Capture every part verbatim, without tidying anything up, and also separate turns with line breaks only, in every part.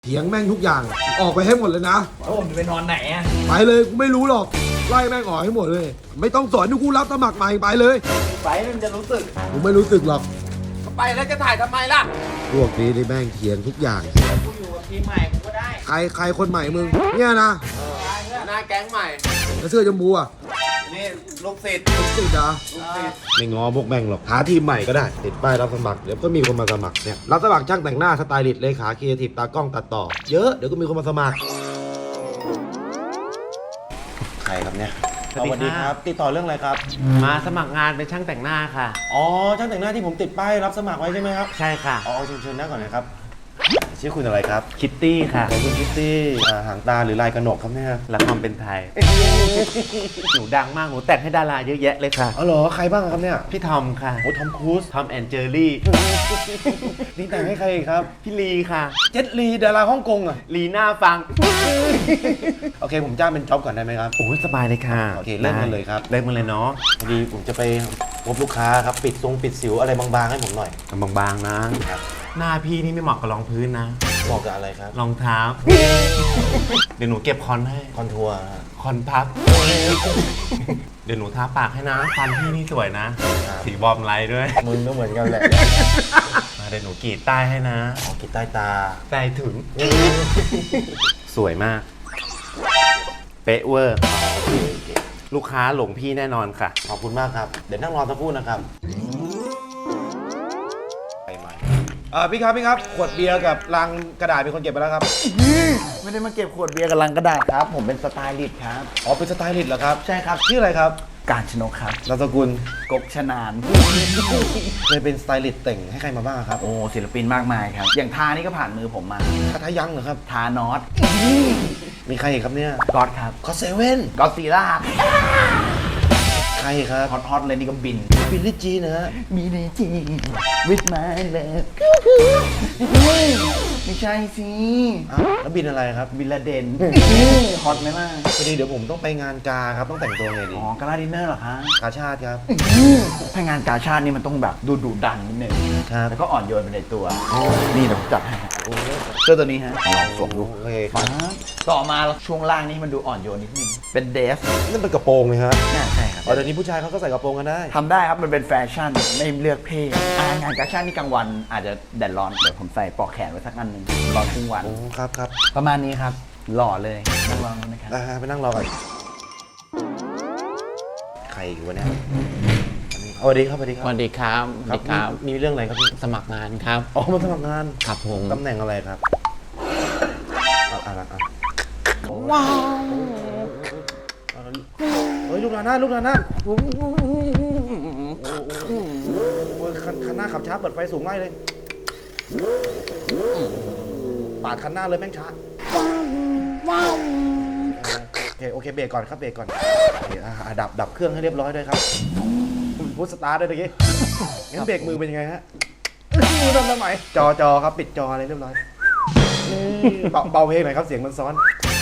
เถียงแม่งทุกอย่างออกไปให้หมดเลยนะ
แล้วผมจะไปนอนไหนอ่ะ
ไปเลยกูไม่รู้หรอกไล่แม่งออกให้หมดเลยไม่ต้องสอนกูรับสมัครใหม่ไปเลย
ไปมันจะรู้สึก
กูไม่รู้สึกหรอก
ไปแล้วจะถ่ายทำไมล่ะ
พวกนี้ที่แม่งเถียงทุกอย่าง
กูอยู่กับทีมใหม่กูก็ได้
ใครใครคนใหม่มึงเนี่ยนะ
หน้าแก๊งใหม่
แล้วเสื้อจมูกอ่ะ
นี่ลูกศิษย์
ลูกศิษย์อ่ะ
ลูกศิษย์
ไม่งอพวกแม่งหรอกหาทีมใหม่ก็ได้ติดป้ายรับสมัครเดี๋ยวก็มีคนมาสมัครเนี่ยรับสมัครช่างแต่งหน้าสไตลิสต์เลขาครีเอทีฟตากล้องตัดต่อเยอะเดี๋ยวก็มีคนมาสมัครใครครับเนี่ย
สวัสดีครับติดต่อเรื่องอะไรครับ
มาสมัครงานเป็นช่างแต่งหน้าค่ะ
อ๋อช่างแต่งหน้าที่ผมติดป้ายรับสมัครไว้ใช่ไหมครับ
ใช่ค่ะ
อ๋อเชิญเชิญนั่งก่อนนะครับชื่อคุณอะไรครับ
คิตตี้ค่ะ
คุณคิตตี้หางตาหรือลายกระหนกครับเนี่ย
ละครเป็นไทยหนูดังมากหนูแต่งให้ดาราเยอะแยะเลยค่ะ
อ๋อเหรอใครบ้างครับเนี่ย
พี่ทอมค่ะ
โอ้ทอมครูซ
ทอมแอนเจอรี่
นี่แต่งให้ใครครับ
พี่ลีค่ะ
เจ็ตลีดาราฮ่องกงอ่ะ
ลีน่าฟัง
โอเคผมจ้างเป็นจ็อบก่อนได้ไหมครับ
โอ้ยสบายเลยค่ะ
โอเคเริ่มกันเลยครับ
เริ่มกันเลยเนาะ
พอดีผมจะไปพบลูกค้าครับปิดทรงปิดสิวอะไรบางๆให้ผมหน่อย
บางๆนะครับหน้าพี่นี่ไม่เหมาะกับรองพื้นนะ
เหมาะกับอะไรครับ
รองเท้าเดี๋ยวหนูเก็บคอนให้
คอนทัวร์
คอนพับเดี๋ยวหนูทาปากให้นะฟันพี่นี่สวยนะสีบอมไลท์ด้วย
มึงก็เหมือนกันแหละ
มาเดี๋ยวหนูกรีดใต้ให้นะ
อ๋อกรีดใต้ตา
ใต้ถึงสวยมากเป๊ะเวอร์ลูกค้าหลงพี่แน่นอนค่ะ
ขอบคุณมากครับเดี๋ยวนั่งรอสักครู่นะครับเออพี่ครับพี่ครับขวดเบียร์กับลังกระดาษเป็นคนเก็บไปแล้วครับ
ไม่ได้มาเก็บขวดเบียร์กับลังกระดาษครับผมเป็นสไตลิสต์ครับ
อ๋อเป็นสไตลิสต์เหรอครับ
ใช่ครับ
ชื่ออะไรครับ
การชนกครับ
นามสกุล
กบชนาน
เคยเป็นสไตลิสต์แต่งให้ใครมาบ้างครับ
โอ้ศิลปินมากมายครับอย่างทานี่ก็ผ่านมือผมมา
ทาทายังเหรอครับ
ทานอต
มีใครอีกครับเนี่ย
ก็อดครับ
ก็เซเว่น
ก็อดซีล่า
ใครครับ
ฮอตฮอตเลยนี่ก็บิน
บินลิจีนะฮะ
มีในจีวิทมาเลยไม่ใช่สิ
แล้วบินอะไรครับ
บินละเดนฮอตไหมล่ะ
พอดีเดี๋ยวผมต้องไปงานกาครับต้องแต่งตัวไงดี
อ๋อกาลาดินเนอร์เหรอคะ
กาชาติครับ
ถ้างานกาชาตินี่มันต้องแบบดูดุดันนิดนึง
ครับ
แล้วก็อ่อนโยนไปในตัวนี่เดี๋ยวผมจัดให้เสื้อตัวนี้ฮะลองสวมดู
โอเคครับ
ต่อมาช่วงล่างนี่มันดูอ่อนโยนนิดนึงเป็นเดฟ
นั่นเป็นกระโปรงเลยฮะ
ใช่ครับ
อ๋อเดี๋ยวนี้ผู้ชายเขาก็ใส่กระโปรงกันได้
ทำได้ครับมันเป็นแฟชั่นไม่เลือกเพศงานกาชาตินี่กลางวันอาจจะแดดร้อนเดี๋ยวผมใส่ปลอกแขนไว้สักอันหนึ่งรอครึ่งวัน
โอ้ครับครับ
ประมาณนี้ครับหล่อเลยนั่งรอนะครับ
ไปนั่งรอก่อนใครอยู่วะเนี่ยสวัสดีครับสวัสดีครับ
สวัสดีครับ
สวัสดีครับมีเรื่องอะไรครับพี่
สมัครงานครับ
อ๋อมาสมัครงาน
ครับผม
ตำแหน่งอะไรครับอะไรอ่ะ
ว้าว
เฮ้ยลูกหลานนะลูกหลานนะโอ้โหคันหน้าขับช้าเปิดไฟสูงไล่เลยปาดคันหน้าเลยแม่งช้าโอเคโอเคเบรกก่อนครับเบรกก่อนดับดับเครื่องให้เรียบร้อยด้วยครับพุทสตาร์ทด้วยตะกี้งั้นเบรกมือเป็นยังไงฮะมือทำทำไมจอจอครับปิดจออะไรเรียบร้อยเบาเพลงหน่อยครับเสียงมันซ้อน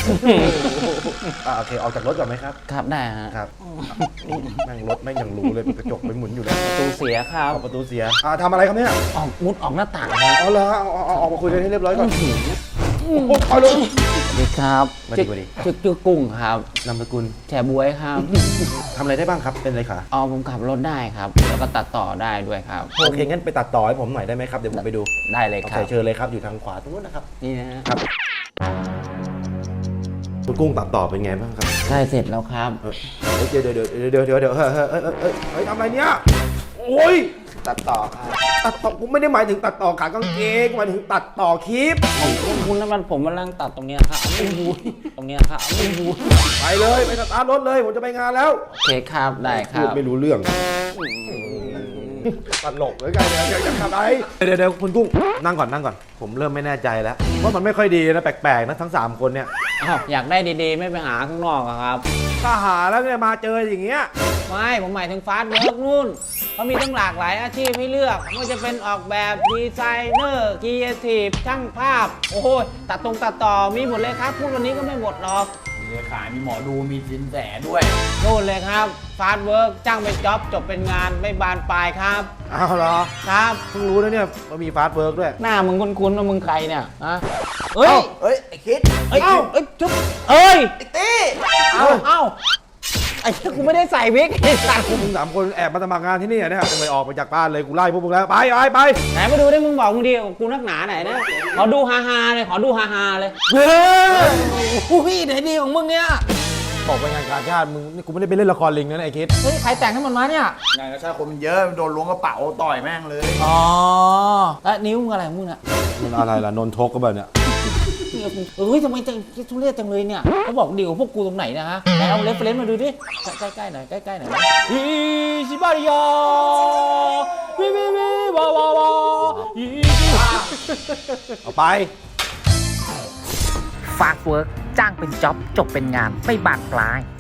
โอเคออกจากรถก่อนไหมครับ
ครับได้ฮะ
ครับนั่งรถไม่ยังรู้เลยกระจกไปหมุนอยู่เลย
ประตูเสียครับ
ประตูเสียทำอะไรครับเนี่ย
ออกมุดออกหน้าต่าง
อ๋อเหรอเอาออกมาคุยกันให้เรียบร้อยก่อนเอาเลย
สวัสดีครับ
สวัสดีสวัสดี
ชื่อชื่อกุ้งครับ
นามสกุล
แฉบวยครับ
ทำอะไรได้บ้างครับเป็นอะไรคะ
อ๋อผมขับรถได้ครับแล้วก็ตัดต่อได้ด้วยครับ
โอเคงั้นไปตัดต่อให้ผมหน่อยได้ไหมครับเดี๋ยวผมไปดู
ได้เลยครับ
เชิญเลยครับอยู่ทางขวาตรงนู้นนะครับ
นี่นะครับ
คุณกุ้งตัดต่อเป็นไงบ้างครับ
ใช่เสร็จแล้วครับ
เดี๋ยวเดี๋ยวเดี๋ยวเดี๋ยวเดี๋ยวเดี๋ยวเฮ้ยเฮ้ยเฮ้ยเฮ้ยทำอะไรเนี่ยโอ้ย
ตัดต่อครับ
ตัดต่อผมไม่ได้หมายถึงตัดต่อขากางเกงหมายถึงตัดต่อคลิป
คุณคุณแล้วมันผมกำลังตัดตรงเนี้ยครับไม่รู้ตรงเนี้ยครับไม่รู้
ไปเลยไปสตาร์ทรถเลยผมจะไปงานแล้ว
โอเคครับได้ครับ
ไม่รู้เรื่องตลกเลยไงเนี่ยจะทำอะไรเดี๋ยวเดี๋ยวคุณกุ้งนั่งก่อนนั่งก่อนผมเริ่มไม่แน่ใจแล้วว่ามันไม่ค่อยดีนะแปลกๆนะทั้งสามคนเนี่ย
อ้าวอยากได้ดีๆไม่ไปหาข้างนอกครับ
ถ้าหาแล้วเนี่ยมาเจออย่างเงี้ย
ไม่ผมหมายถึงฟาสต์เวิร์กนู่นเขามีตั้งหลากหลายอาชีพให้เลือกไม่ว่าจะเป็นออกแบบดีไซเนอร์ครีเอทีฟช่างภาพโอ้โหตัดตรงตัดต่อมีหมดเลยครับพูดวันนี้ก็ไม่หมดหรอก
เลขามีหมอดูมีสินแสด้วย
นู่นเลยครับฟาสต์เวิร์กจ้างเป็นจ็อบจบเป็นงานไม่บานปลายครับ
อ้าวเหรอ
ครับ
เพิ่งรู้นะเนี่ยว่ามีฟาสต์เวิร์กด้วย
หน้ามึงคุ้นๆว่ามึงใครเนี่ยอะเอ้ย
เอ้ย ไอ้คิด
เอ้ยเอ้ยจุ๊บเอ้ยไอ้ตี้เอ้าเอ้าไอ้กูไม่ได้ใส่วิกไอ้สัตว์
พวกมึงสามคนแอบมาสมัครงานที่นี่เนี่ยจะไปออกไปจากบ้านเลยกูไล่พวกมึงแล้วไปไปไป
ไหนมาดูได้มึงบอกมึงดีกูนักหนาไหนนะขอดูฮาฮาๆเลยขอดูฮาฮาๆเลย
เฮ้ย
อุ้ยไหนดีของมึงเนี่ย
บอกไปงานกาชาติมึงนี่กูไม่ได้ไปเล่นละครลิงนะไอ้คิด
เฮ้ยใครแต่งให้มันมาเนี่ย
งานกระชากคนมันเยอะโดนล้วงกระเป๋าต่อยแม่งเลย
อ๋อแล้วนิ้วมึงอะไรของมึงเนี่ย
มันอะไรล่ะนนทกก็แบบเนี้ย
เอ้ยทำไมจังทุเรศจังเลยเนี่ยเขาบอกเดี๋ยวพวกกูตรงไหนนะฮะไหนเอาเรฟเฟรนซ์มาดูดิใกล้ๆหน่อยใกล้ๆหน่อยฮิชิบาริยาวิวิวิวาวาวาฮิชิบา
เอาไป
ฟาสต์เวิร์กจ้างเป็นจ็อบจบเป็นงานไม่บานปลาย